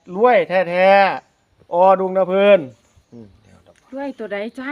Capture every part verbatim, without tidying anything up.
รวยแท้ๆอดุงนะเพิ่นอืมเดี๋ยวดอกด้วยตัวใดจ้า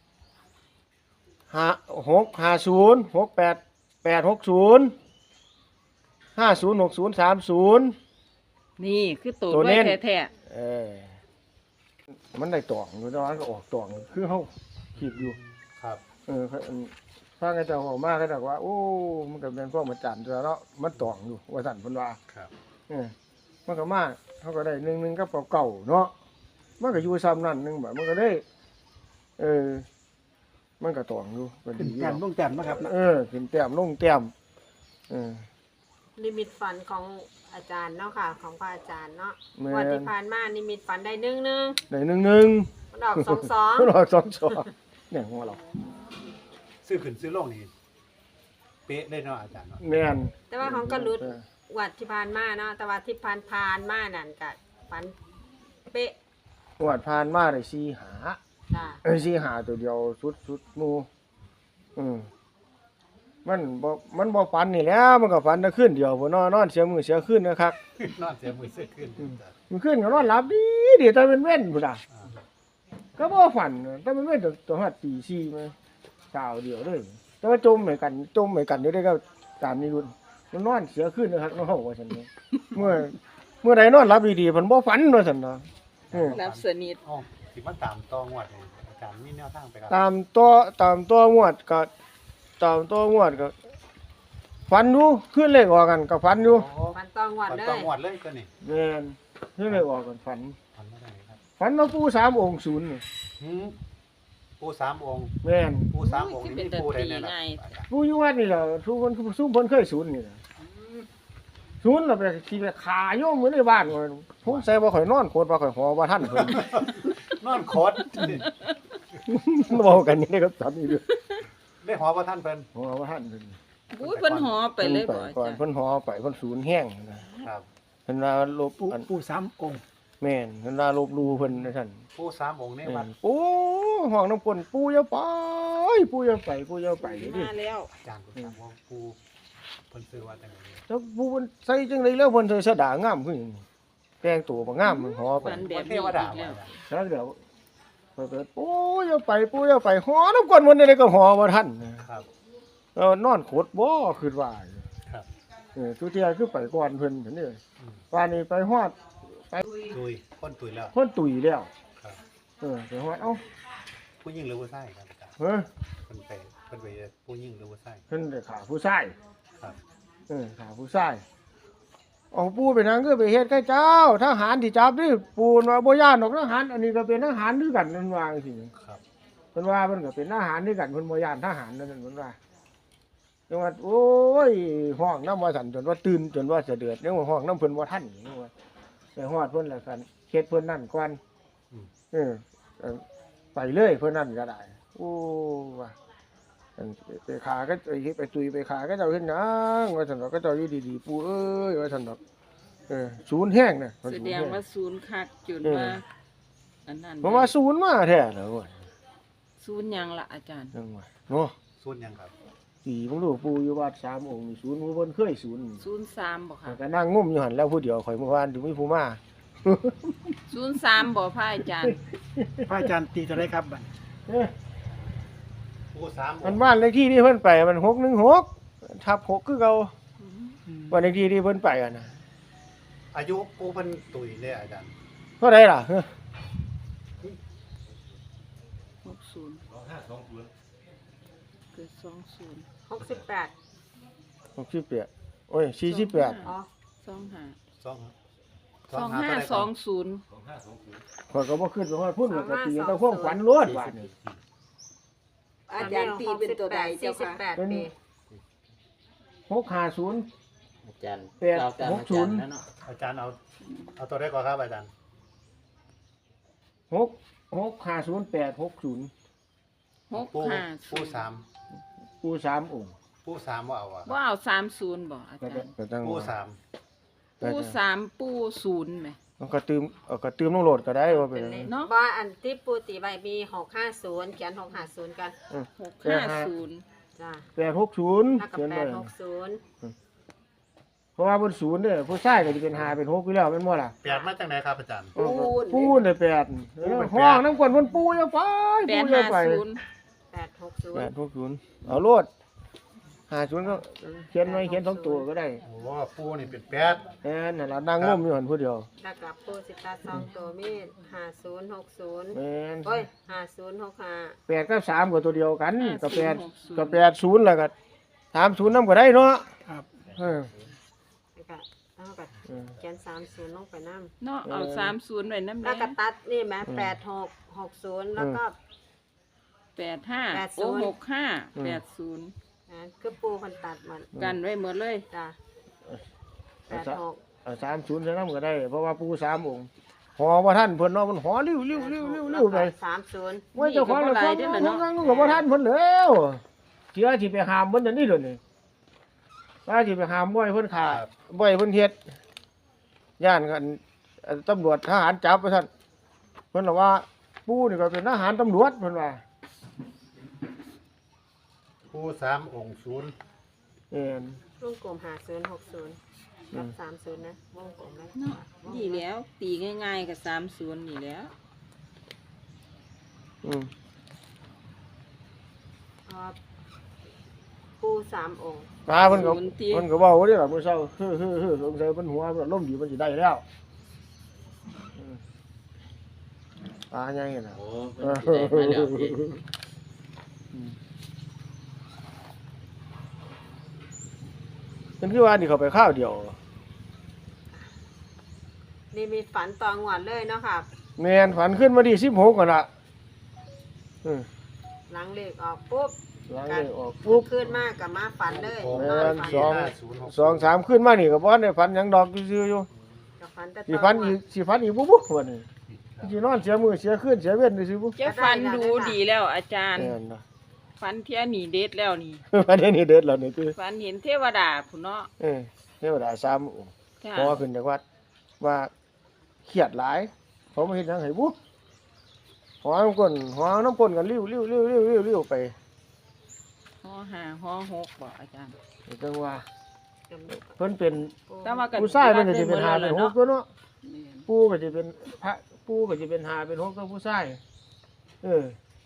ห้าหกห้าศูนย์หกแปดแปดหกศูนย์ห้าศูนย์หกศูนย์สามศูนย์นี่คือตัวตัวด้เน้วยนแท้เออมันได้ตองอยู่ตอนนั้นก็ออกตองคือเฮาคิดอยู่ครับเออถ้าก็จะออกมาก็จะว่าโอ้มันก็เป็นพวกมาจันตัวเนาะมันตองอยู่ว่าสั่นเพิ่นว่าครับเออมันก็มาเขาก็ได้หนึ่งหนึ่งกับเก่าๆเนาะมันก็อยู่ซ้ำนั่นหนึงแบบมันก็ได้ เออ มันก็ตองอยู่ก็ขึ้นดีอยู่แต้มลงแต้มนะครับนะเออขึ้นแต้มลงแต้มเออนิมิตฝันของอาจารย์เนาะค่ะ ของพระอาจารย์เนาะแม่นวันที่ผ่านมานิมิตฝันได้หนึ่งหนึ่งได้หนึ่งหนึ่งมันออกสองสองมันออกสองสองเนี่ยหัวเราซื้อขึ้นซื้อลงนี่เป๊ะได้เนาะอาจารย์เนาะแม่นแต่ว่าของกระลุดเออวัดที่ผ่านมาเนาะแต่ว่าที่ผ่านผ่านมานั่นก็ฝันเป๊ะงวดผ่านมาได้สี่หาจ้าเอ้ยสี่หาตัวเดียวสุดสุดหมู่อืมมันบ่มันบ่ฝันนี่แหล้วมันก็ฝันแต่คืนเดียวพุ่นเนาะนอนเสียมือเสียคืนนะครับนอนเสียมือซื้อขึ้นอาจารย์มันคืนก็นอนหลับดีดีแต่เป็นเว้นพุ่นน่ะอ่าก็บ่ฝันแต่เป็นเว้นตัวตัวฮอดตีสี่มาเช้าเดียวเลยแต่ว่าจมเหมือนกันจมเหมือนกันอยู่ได้ก็ตามนี้รุ่นมันนอนเสียคืนนะครับเนาะว่าซั่นเนาะเมื่อเมื่อใดนอนหลับดีๆเพิ่นบ่ฝันว่าซั่นเนาะเออๆรับสนิทอ๋อสิมาตามต่องวดนี่อาจารย์มีแนวทางไปครับตามตัวตามตัวงวดก็ตามตัวงวดก็ฝันอยู่ขึ้นเลขออกกันก็ฝันอยู่โอ้ฝันตองวัดฝันเลต่อย งวดเลยก็นี่แม่นขึ้นเลขออกกันฝันฝันบ่ได้ครับฝันว่าปู่สามองค์ศูนย์นี่หืมปู่สามองค์แม่นปู่สามองค์นี่มีปู่ใดแน่ล่ะอาจารย์ปู่อยู่วัดนี่แหละทุกคนทุกคนเคยศูนย์นี่ล่ะศูนย์เราไปขี่ไปขาโยมมื้อในบ้านว่าผมใส่บ่ค่อยนอนโคตรบ่ค่อยหอบ่ทันเพิ่นนอนโคตรเว้ากันนี่ได้ก็ตอนนี้ด้วยได้หอว่าท่านเพิ่นหอบ่ทันเพิ่นอุ้ยเพิ่นหอไปเลยบ่อาก่อนจารย์เพิ่นหอไปเพิ่นศูนย์แห้งนะครับ เพิ่นว่าลบปูอันปูสามองค์แม่นเพิ่นว่าลบหลู่เพิ่นว่าซั่นปู่สามองค์ในแม่วัดนโอ้ห้องน้ำกลนปู่อย่าไปปู่อย่าไปปู่อย่าไปดิมาแล้วอาจารย์ปู่สามองค์ปู่เพิ่นซื้อว่าจังได๋แล้วปู่มันใส่จังไดแล้วเพิ่นใส่สะดางามคือหยังแต่งตัวบ่งามมันหอไปฝันแบบเทนี้วอีกดาแล้วแล้วเดี๋ยวเพิ่นก็ปู่อย่าไปปู่อย่าไปหอน้ำกลนมันได้ก็หอบ่ทันนะครับ เออนอนโคตรบ่คิดว่าครับเออทุกเที่ยคือไปก่อนเพิ่นเพิ่นนี่อืมป่านนี้ไปฮอดตุยคนตุยแล้วคนตุ๋ยแล้วครับเออไปฮอดเอ้าผู้หญิงหรือผู้ชายครับอาจารย์เฮ้ยเพิ่นไปเพิ่นไปผู้หญิงหรือผู้ชายเพิ่นได้ขาผู้ชายครับเออขาผู้ชายเอาปูไปนางก็ไปเฮ็ดกับเจ้าทหารที่จับนี่ปูนว่าบ่ย่านดอกทหารอันนี้ก็เป็นทหารด้วยกันนั่นว่าจังซี่ครับเพิ่นว่าเพิ่นก็เป็นทหารด้วยกันเพิ่นบ่ย่านทหารนั่นนั่นเพิ่นว่าจังว่าโอ้ยห้องน้ำว่าสั่นจนว่าตื่นจนว่าจะเดือดยังว่าห้องน้ำเพิ่นบ่ทันนี่ว่าไปฮอดเพิ่นแล้วกันเฮ็ดเพิ่นนั่นก่อนอืมเออเออไปเลยเพิ่นนั่นก็ได้โอ้ว่าอันไปขาก็ไปไปตุยไปขาก็เจ้าเฮ็ดหยังว่าซั่นดอกก็เจ้าอยู่ดีๆปู่เอ้ยว่าซั่นดอกเออศูนย์แห้งน่ะแสดงว่าศูนย์คักจุดว่าอันนั้นเพราะว่าศูนย์มาแท้แล้วว่ะศูนย์หยังล่ะอาจารย์จังว่าเนาะส่วนหยังครับสีมึงดูปู่อยู่วัดสามองค์นี่ศูนย์บ่เพิ่นเคยศูนย์ศูนย์สามบ่ค่ะก็นั่งงุ่มอยู่หั่นแล้วผู้เดียวข่อยเมื่อวานถึงมีผู้มาศูนย์สามบ่พระอาจารย์พระอาจารย์ตีเท่าไรครับบัดเอ้ยผู้สามมันบ้านเลขที่ที่เพิ่นไปมันหกหนึ่งหกทับหกคือเก่าอืมบ้านเลขที่ที่เพิ่นไปอ่ะนะอายุผู้เพิ่นตุยเลยอาจารย์เท่าใดล่ะเฮ้อหกศูนย์เกิดสองศูนย์หกสิบแปดหกสิบแปดโอ้ยสี่สิบแปดอ๋อสองห้าสองสองห้าสองศูนย์ข่อยก็บ่ขึ้นไปฮอดพุ่นก็ตีแต่ความฝันรวดว่านี่อาจารย์ตีเป็นตัวใดเจ้าสี่สิบค่ะแปดเป็นปีหกห้าศูนย์อาจารย์แปดเราตามหกอาศูจารนย์ย์แล้วเนาะอาจารย์เอาเอาตัวได้ก่อนครับอาจารย์หกหกห้าศูนย์แปดหกศูนย์หกผู้ห้าศูผู้นย์สามปูสามองค์ผู้สามว่าเอาอะว่าเอาสามศูนย์บ่อาก็จารย์ก็จังผู้สามปูสามปูศูนย์ไหมมันก็ตื่มเอาก็ตื่มลงโหลดก็ได้ว่าเป็นเนาะว่าอันที่ปูตีใบมีหกห้าศูนย์เขียนหกห้าศูนย์กันหกห้าศูนย์จ้าแปดหกศูนย์แล้วก็เขียนแปไว้ดหกศูนย์เพราะว่าบนศูนย์เนี่ยผู้ชายก็จะเป็นห้าเป็นหกอยู่แล้วแม่นบ่ล่ะแปดมาจากไหนครับอาจารย์เออปูนได้แปดห้องน้ำกวนเพิ่นปูอย่าไปแปปูดอย่าห้าไปศูนย์แปดหกศูนแปย์ดหกศูนย์เอาโลดห้าศูนย์ก็เขียนไว้เขียนสองตัวก็ได้โอ้ปูนี่เป็นแปดแม่นนั่นล่ะนางงมอยู่หั่นผู้เดียวแล้วกับปูสิตาสองตัวมีห้าศูนย์หกศูนย์แม่นโอ้ยห้าศูนย์หกห้าแปดกับสามก็ตัวเดียวกันก็แปดก็แปดศูนย์แล้วก็สามศูนย์นำก็ได้เนาะครับเออแล้วก็เอากับเออเขียนสามศูนย์ลงไปน้ำเนาะเอาสามศูนย์ไว้น้ำแล้วแดก็งตัดนี่ไหมแปดหกหกศูนย์แล้วก็แปดห้าแปดศูโอ้นย์หกห้าแปดศูนย์อ่าคือปูคนตัดมันกันไว้หมดเลยจ้ะแปดหกเอาสามศูนย์ใส่นำก็ได้ เพราะว่าปูสามองค์หอบ่ทันเพิ่นเนาะมันหอริ้วริ้วริ้วริ้วริ้วไปสามศูนย์ว่าเจ้าของละครมันนั่งกับบ่ทันเพิ่นแล้วเสียสิไปหามเพิ่นอันนี้เด้อนี่ว่าสิไปหามบ่ให้เพิ่นฆ่าบ่ให้เพิ่นเฮ็ดย่านกันเอ่อตำรวจทหารจับว่าซั่นเพิ่นว่าปู่นี่ก็เป็นทหารตำรวจเพิ่นว่าปูสามองค์ศูนย์เอ็นวงกลมห้าศูนย์หกศูนย์กับสามศูนย์นะวงกลมนะเนาะนี่แล้ว ตีง่ายๆกับสามศูนย์นี่แล้วอืมเอาปูสามองค์ตาเพิ่นก็เพิ่นก็เว้าเด้อล่ะมื้อเช้าเฮ้อๆๆสงสัยเพิ่นหัวมันล่มดีมันสิได้แล้วอืมตาใหญ่น่ะโอ้มันสิได้มาแล้วพี่เป็นคือว่านี่เขาไปข้าวเดียวนี่มีฝันตองหวดเลยเนาะค่ะแม่นฝันขึ้นมาดีสิบหกก่อนละอืมหลังเลขออกปุ๊บหลังเลยออกปุ๊บขึ้นมากกับมาฝันเลยแม่นอนนฝันสองห้าศูนย์หกสองสามขึ้นมานี่ก็บ่ได้ฝันหยังดอกซื่อๆอยู่กับฝันแต่สิตฝัอน งหวอีกดสิฝันอีกบุ๊บๆวันนี้สินอนเสียมือเสียคืนเสียเว้นซื่อๆบุ๊จะฟันดูดีแล้วอาจารย์แม่นนะฟันเทียหนีเด็ดแล้วนี่อันนี้เด็ดแล้วนี่คือฟันเห็นเทวดาผู้เนาะเออเทวดาสามองค์จ้ะพอขึ้นจากวัดว่าเครียดหลายเขามาเฮ็ดหยังให้บุ๊หอน้ำก้นหอน้ำก้นกันลิ้วลิ้วลิ้วลิ้วลิ้วลิ้วไปห้อห้าห้อหกบอกอาจารย์จังว่าจำเพิ่นเป็นแต่ว่ากันผู้ชายมันก็จะเป็นหาเป็นหกตัวเนาะแม่นปู่ก็จะเป็นพระปู่ก็จะเป็นหาเป็นหกตัวผู้ชายเออ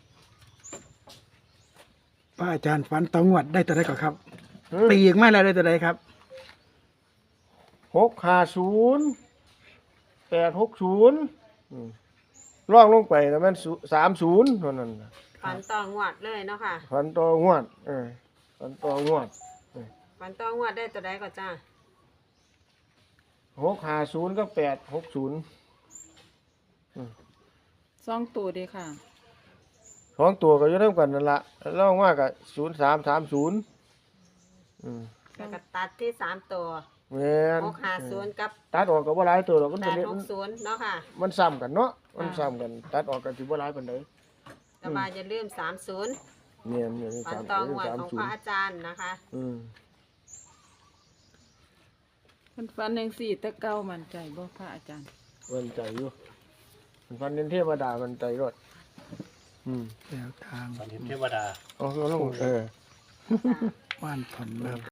พระอาจารย์ฝันตองวดได้ตัวใดก่อนครับหือตีอีกไม่แล้วได้ตัวใดครับหกห้าศูนย์แปดหกศูนย์อืมล่องลงไปก็แม่นสามศูนย์เท่านั้นน่ะฝันตองหวดเลยเนาะค่ะฝันต่องวดเออฝันต่องวดฝันตองหวดได้ตัวใดก็จ้าหกห้าศูนย์ก็แปดหกศูนย์สองตัวเด้ค่ะสองตัวก็อยู่เท่ากันนั่นละล่องว่ากับศูนย์สามสามศูนย์อืมแล้วก็ตัดที่สามตัวแม่นหกห้าศูนย์กับตัดออกก็บ่หลายตัวหรอกมันแปจะดเล่นหกศูนย์เนาะค่ะมันซ้ำกันเนาะมันซ้ำกัน ตัดออกกันสิบ่หลายปานใดแต่ว่าอย่าลืมสามศูนย์เนี่ยเนี่ยนี่ฝันสามตองหวดสามของศูพนระย์อาจารย์นะคะอืมมันฟันจังสี่แตะเก้ามันใจบ่พระอาจารย์มันใจอยู่มันฟันเน้นเทวดามันใจรอดอืมแนวทางตอนนี้เทวดาเอาเอาลงเออว่านผ่อนนะครับ